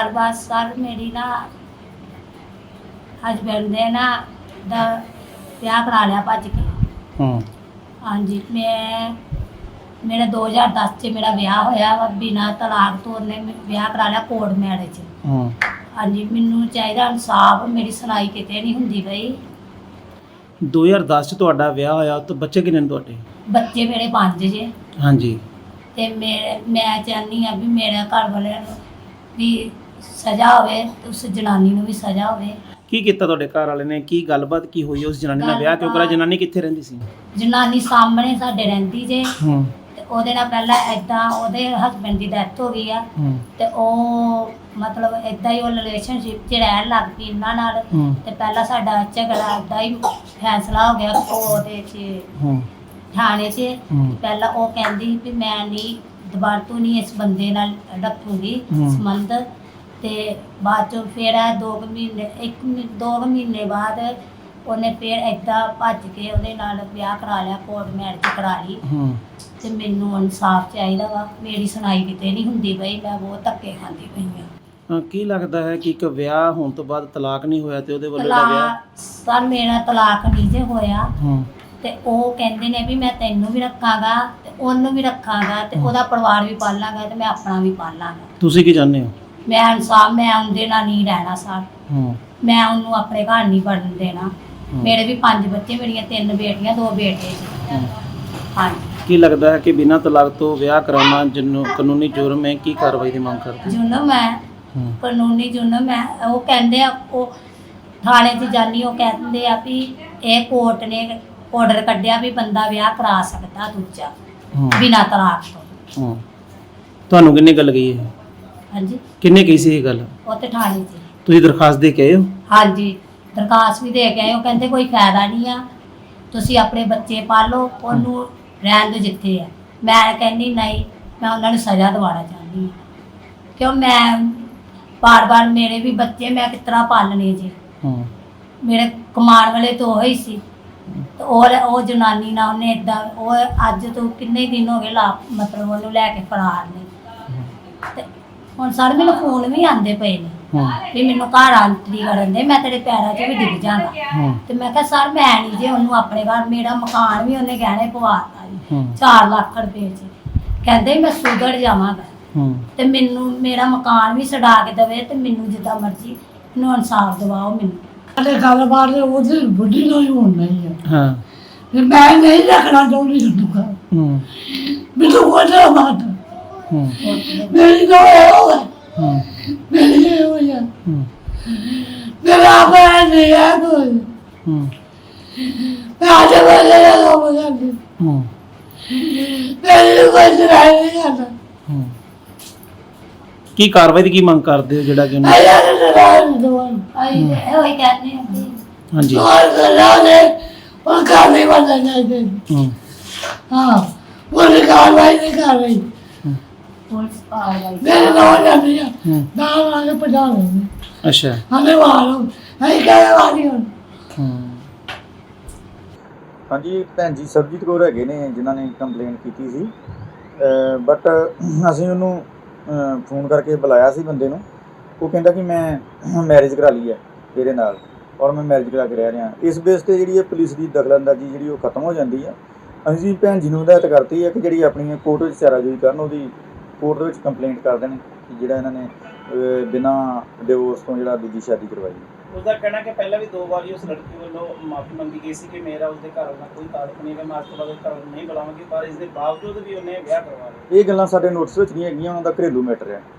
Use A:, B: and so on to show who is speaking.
A: ਗੱਲਬਾਤ ਸਰ ਮੇਰੀ ਨਾ ਹਸਬੈਂਡ ਨੇ ਨਾ ਦਾ ਵਿਆਹ ਕਰਾ ਲਿਆ ਭੱਜ ਕੇ। ਹਾਂਜੀ ਮੇਰਾ 2010 ਚ ਮੇਰਾ ਵਿਆਹ ਹੋਇਆ ਵਾ ਬਿਨਾਂ ਤਲਾਕ ਤੋਂ। ਉਹਨੇ ਵਿਆਹ ਕਰਾ ਲਿਆ ਕੋਰਟ ਮੈਰਿਜ। ਹਾਂਜੀ ਮੈਨੂੰ ਚਾਹੀਦਾ ਇਨਸਾਫ, ਮੇਰੀ ਸੁਣਾਈ ਕਿਤੇ ਨਹੀਂ ਹੁੰਦੀ ਪਈ।
B: 2010 ਚ ਤੁਹਾਡਾ ਵਿਆਹ ਹੋਇਆ ਤਾਂ ਬੱਚੇ ਕਿੰਨੇ ਨੇ ਤੁਹਾਡੇ?
A: ਬੱਚੇ ਮੇਰੇ 5 ਜੇ।
B: ਹਾਂਜੀ।
A: ਤੇ ਮੈਂ ਚਾਹੁੰਦੀ ਆ ਵੀ ਮੇਰੇ ਘਰ ਵਾਲਿਆਂ ਨੂੰ ਵੀ ਸਜ਼ਾ ਹੋਵੇ ਤੇ ਉਸ ਜਨਾਨੀ ਨੂੰ ਵੀ ਸਜ਼ਾ ਹੋਵੇ।
B: ਕੀ ਕੀਤਾ ਤੁਹਾਡੇ ਘਰ ਵਾਲੇ ਨੇ? ਕੀ ਗੱਲਬਾਤ ਕੀ ਹੋਈ ਉਸ ਜਨਾਨੀ ਨਾਲ? ਵਿਆਹ ਕਿਉਂ ਕਰਾਇਆ? ਜਨਾਨੀ ਕਿੱਥੇ ਰਹਿੰਦੀ ਸੀ?
A: ਜਨਾਨੀ ਸਾਹਮਣੇ ਸਾਡੇ ਰਹਿੰਦੀ ਜੇ। ਤੇ ਉਹਦੇ ਨਾਲ ਪਹਿਲਾਂ ਏਦਾਂ ਉਹਦੇ ਹਸਬੈਂਡ ਦੀ ਡੈਥ ਹੋ ਗਈ ਆ। ਤੇ ਉਹ ਮਤਲਬ ਏਦਾਂ ਹੀ ਉਹ ਰਿਲੇਸ਼ਨਸ਼ਿਪ 'ਚ ਰਹਿਣ ਲੱਗ ਪਈ ਇਹਨਾਂ ਨਾਲ। ਤੇ ਪਹਿਲਾਂ ਸਾਡਾ ਝਗੜਾ ਏਦਾਂ ਹੀ ਫੈਸਲਾ ਹੋ ਗਿਆ ਉਹਦੇ 'ਚ ਥਾਣੇ 'ਚ। ਪਹਿਲਾਂ ਉਹ ਕਹਿੰਦੀ ਵੀ ਮੈਂ ਨਹੀਂ ਦੁਬਾਰਾ ਤੋਂ ਨਹੀਂ ਇਸ ਬੰਦੇ ਨਾਲ ਰੱਖੂਗੀ ਸੰਬੰਧ। ਤੇ ਬਾਅਦ ਚੋਂ ਫਿਰ 2 ਮਹੀਨੇ ਬਾਅਦ ਉਹਨੇ ਫਿਰ ਏਦਾਂ ਭੱਜ ਕੇ ਉਹਦੇ ਨਾਲ ਵਿਆਹ ਕਰਾ ਲਿਆ, ਕੋਰਟ ਮੈਰਿਜ ਕਰਾ ਲਈ। ਤੇ ਮੈਨੂੰ ਇਨਸਾਫ ਚਾਹੀਦਾ ਵਾ, ਮੇਰੀ ਸੁਣਾਈ ਕਿਤੇ ਨਹੀਂ ਹੁੰਦੀ ਪਈ, ਮੈਂ ਬਹੁਤ ਧੱਕੇ ਖਾਂਦੀ ਪਈ ਹਾਂ।
B: ਕੀ ਲੱਗਦਾ ਹੈ ਕਿ ਇੱਕ ਵਿਆਹ ਹੋਣ ਤੋਂ ਬਾਅਦ ਤਲਾਕ ਨਹੀਂ ਹੋਇਆ ਤੇ ਉਹਦੇ ਵੱਲੋਂ ਦਾ ਵਿਆਹ?
A: ਸਰ ਮੇਰਾ ਤਲਾਕ ਨਹੀਂ ਜੇ ਹੋਇਆ। ਤੇ ਉਹ ਕਹਿੰਦੇ ਨੇ ਵੀ ਮੈਂ ਤੈਨੂੰ ਵੀ ਰੱਖਾਂਗਾ ਤੇ ਉਹਨੂੰ ਵੀ ਰੱਖਾਂਗਾ ਤੇ ਉਹਦਾ ਪਰਿਵਾਰ ਵੀ ਪਾਲਾਂਗਾ ਤੇ ਮੈਂ ਆਪਣਾ ਵੀ ਪਾਲਾਂਗਾ।
B: ਤੁਸੀਂ ਕੀ ਚਾਹੁੰਦੇ ਹੋ?
A: ਮੈਂ ਇਨਸਾਫ, ਮੈਂ ਉਹਦੇ ਨਾਲ ਨਹੀਂ ਰਹਿਣਾ ਸਰ। ਮੈਂ ਉਹਨੂੰ ਆਪਣੇ ਘਰ ਨਹੀਂ ਵੜਨ ਦੇਣਾ। ਮੇਰੇ ਵੀ 5 ਬੱਚੇ, ਮੇਰੀਆਂ 3 ਬੇਟੀਆਂ 2 ਬੇਟੇ ਜੀ। ਹਾਂਜੀ। ਕੀ
B: ਲੱਗਦਾ ਹੈ ਕਿ ਬਿਨਾਂ ਤਲਾਕ ਤੋਂ ਵਿਆਹ ਕਰਾਉਣਾ ਕਾਨੂੰਨੀ ਜੁਰਮ ਹੈ? ਕੀ ਕਾਰਵਾਈ ਦੀ ਮੰਗ ਕਰਦੇ?
A: ਜੁਰਮ ਹੈ, ਕਾਨੂੰਨੀ ਜੁਰਮ ਹੈ। ਉਹ ਕਹਿੰਦੇ ਆ, ਉਹ ਥਾਣੇ 'ਚ ਜਾਨੀ, ਉਹ ਕਹਿੰਦੇ ਆ ਵੀ ਇਹ ਕੋਰਟ ਨੇ ਆਰਡਰ ਕੱਢਿਆ ਵੀ ਬੰਦਾ ਵਿਆਹ ਕਰਾ ਸਕਦਾ ਦੂਜਾ ਬਿਨਾਂ ਤਲਾਕ ਤੋਂ।
B: ਤੁਹਾਨੂੰ ਕਿੰਨੇ ਗੱਲ ਕਹੀ ਹੈ?
A: ਹਾਂਜੀ।
B: ਕਿੰਨੇ ਕਹੀ ਸੀ ਇਹ ਗੱਲ? ਉਹ
A: ਤੇ ਥਾਣੇ 'ਚ।
B: ਤੁਸੀਂ ਦਰਖਾਸਤ ਦੇ ਕੇ ਆਏ ਹੋ?
A: ਹਾਂਜੀ ਦਰਖਾਸਤ ਵੀ ਦੇ ਕੇ ਆਏ। ਉਹ ਕਹਿੰਦੇ ਕੋਈ ਫਾਇਦਾ ਨਹੀਂ ਆ, ਤੁਸੀਂ ਆਪਣੇ ਬੱਚੇ ਪਾਲੋ, ਉਹਨੂੰ ਰਹਿਣ ਦਿਓ ਜਿੱਥੇ ਆ। ਮੈਂ ਕਹਿੰਦੀ ਨਹੀਂ, ਮੈਂ ਉਹਨਾਂ ਨੂੰ ਸਜ਼ਾ ਦਿਵਾਉਣਾ ਚਾਹੁੰਦੀ ਹਾਂ। ਕਿਉਂ ਮੈਂ ਬਾਰ-ਬਾਰ ਮੇਰੇ ਵੀ ਬੱਚੇ ਮੈਂ ਕਿਸ ਤਰ੍ਹਾਂ ਪਾਲਣੇ ਜੀ। ਮੇਰੇ ਕਮਾਉਣ ਵਾਲੇ ਤਾਂ ਉਹ ਹੀ ਸੀ। ਤੇ ਉਹ ਜਨਾਨੀ ਨਾਲ ਉਹਨੇ ਏਦਾਂ, ਉਹ ਅੱਜ ਤੋਂ ਕਿੰਨੇ ਦਿਨ ਹੋ ਗਏ ਮਤਲਬ ਉਹਨੂੰ ਲੈ ਕੇ ਫਰਾਰ ਨੇ। ਤੇ ਹੁਣ ਸਰ ਮੈਨੂੰ ਫੋਨ ਵੀ ਆਉਂਦੇ ਪਏ ਨੇ ਵੀ ਮੈਨੂੰ ਘਰ ਆਂਟਰੀ ਕਰਨ ਦੇ, ਮੈਂ ਤੇਰੇ ਪੈਰਾਂ 'ਚ ਵੀ ਡਿੱਗ ਜਾਵਾਂਗਾ। ਤੇ ਮੈਂ ਕਿਹਾ ਸਰ ਮੈਂ ਨਹੀਂ ਜੇ ਉਹਨੂੰ ਆਪਣੇ ਘਰ, ਮੇਰਾ ਮਕਾਨ ਵੀ ਉਹਨੇ ਗਹਿਣੇ ਪਵਾਤਾ ਜੀ 4 ਲੱਖ ਰੁਪਏ 'ਚ। ਕਹਿੰਦੇ ਮੈਂ ਸੁਧਰ ਜਾਵਾਂਗਾ ਤੇ ਮੈਨੂੰ ਮੇਰਾ ਮਕਾਨ ਵੀ ਛਡਾ ਕੇ ਦੇਵੇ ਤੇ ਮੈਨੂੰ ਜਿੱਦਾਂ ਮਰਜ਼ੀ ਮੈਨੂੰ ਇਨਸਾਫ ਦਿਵਾਓ। ਮੈਨੂੰ
C: ਸਾਡੇ ਗੱਲਬਾਤ ਉਹਦੀ ਬੁੱਢੀ ਨਾਲ ਹੀ ਹੋਣ ਨਹੀਂ ਹੈ।
A: ਫਿਰ
C: ਮੈਂ ਨਹੀਂ ਰੱਖਣਾ ਚਾਹੁੰਦੀ ਉਹਨੂੰ ਘਰ। ਮੈਨੂੰ ਕੋਝਾ ਬਾਤ ਮੇਰੀ ਤਾਂ ਇਹੋ ਹੈ। ਮੇਰੀ ਇਹੋ ਹੈ। ਮੇਰਾ ਆਪਣਾ ਨਹੀਂ ਹੈ ਕੋਈ। ਮੈਂ ਅੱਜ ਵੇਲੇ ਦਾ ਕੰਮ ਕਰਦੀ। ਮੇਰੀ ਕੋਈ ਸੁਣਾਈ ਨਹੀਂ ਕਰਦਾ।
B: ਕੀ ਕਾਰਵਾਈ ਦੀ ਕੀ ਮੰਗ ਕਰਦੇ ਹੋ ਜਿਹੜਾ ਕਿ ਉਹਨੂੰ?
A: ਇਹੋ ਹੀ ਕਹਿੰਦੇ ਹੁੰਦੇ।
B: ਹਾਂਜੀ।
C: ਉਹ ਘਰ ਨਹੀਂ ਬਣਨਾ ਚਾਹੀਦੇ। ਹਾਂ ਉਹ ਕਾਰਵਾਈ ਨਹੀਂ ਕਰ ਰਹੀ।
A: ਪੁਲਿਸ ਕਾਰਵਾਈ
C: ਮੇਰੇ ਨਾਲ ਜਾਂਦੀ ਆ ਨਾਲ ਆ ਕੇ ਪਹੁੰਚਾ ਲੈਂਦੇ।
B: ਅੱਛਾ।
C: ਹਲੇ ਵਾਲੋਂ ਅਸੀਂ ਕਹਿ ਵਾਲੀ ਹੁਣ।
D: ਹਾਂਜੀ ਭੈਣ ਜੀ ਸਰਬਜੀਤ ਕੌਰ ਹੈਗੇ ਨੇ ਜਿਨ੍ਹਾਂ ਨੇ ਕੰਪਲੇਂਟ ਕੀਤੀ ਸੀ। ਬਟ ਅਸੀਂ ਉਹਨੂੰ ਫੋਨ ਕਰਕੇ ਬੁਲਾਇਆ ਸੀ ਬੰਦੇ ਨੂੰ। ਉਹ ਕਹਿੰਦਾ ਕਿ ਮੈਂ ਮੈਰਿਜ ਕਰਾ ਲਈ ਹੈ ਇਹਦੇ ਨਾਲ ਔਰ ਮੈਂ ਮੈਰਿਜ ਕਰਾ ਕੇ ਰਹਿ ਰਿਹਾ। ਇਸ ਬੇਸ 'ਤੇ ਜਿਹੜੀ ਹੈ ਪੁਲਿਸ ਦੀ ਦਖਲਅੰਦਾਜ਼ੀ ਜਿਹੜੀ ਉਹ ਖਤਮ ਹੋ ਜਾਂਦੀ ਹੈ। ਅਸੀਂ ਭੈਣ ਜੀ ਨੂੰ ਹਦਾਇਤ ਕਰਤੀ ਹੈ ਕਿ ਜਿਹੜੀ ਆਪਣੀ ਕੋਰਟ ਵਿੱਚ ਚਾਰਾਜੋਈ ਕਰਨ, ਉਹਦੀ ਕੋਰਟ ਦੇ ਵਿੱਚ ਕੰਪਲੇਂਟ ਕਰ ਦੇਣ ਕਿ ਜਿਹੜਾ ਇਹਨਾਂ ਨੇ ਬਿਨਾਂ ਡਿਵੋਰਸ ਤੋਂ ਜਿਹੜਾ ਦੂਜੀ ਸ਼ਾਦੀ ਕਰਵਾਈ।
B: ਉਸਦਾ ਕਹਿਣਾ ਕਿ ਪਹਿਲਾਂ ਵੀ 2 ਵਾਰੀ ਉਸ ਲੜਕੀ ਵੱਲੋਂ ਮਾਫੀ ਮੰਗੀ ਗਈ ਸੀ ਕਿ ਮੇਰਾ ਉਸਦੇ ਘਰ ਨਾਲ ਕੋਈ ਤਾਲੁਕ ਨਹੀਂ ਹੈ, ਮੈਂ ਅੱਜ ਤੋਂ ਬਾਅਦ ਘਰ ਨਹੀਂ ਬੁਲਾਵਾਂਗੀ, ਪਰ ਇਸ ਦੇ ਬਾਵਜੂਦ ਵੀ ਉਹਨੇ ਵਿਆਹ ਕਰਵਾ ਲਿਆ।
D: ਇਹ ਗੱਲਾਂ ਸਾਡੇ ਨੋਟਿਸ ਵਿੱਚ ਨਹੀਂ ਹੈਗੀਆਂ, ਉਹਨਾਂ ਦਾ ਘਰੇਲੂ ਮੈਟਰ ਹੈ।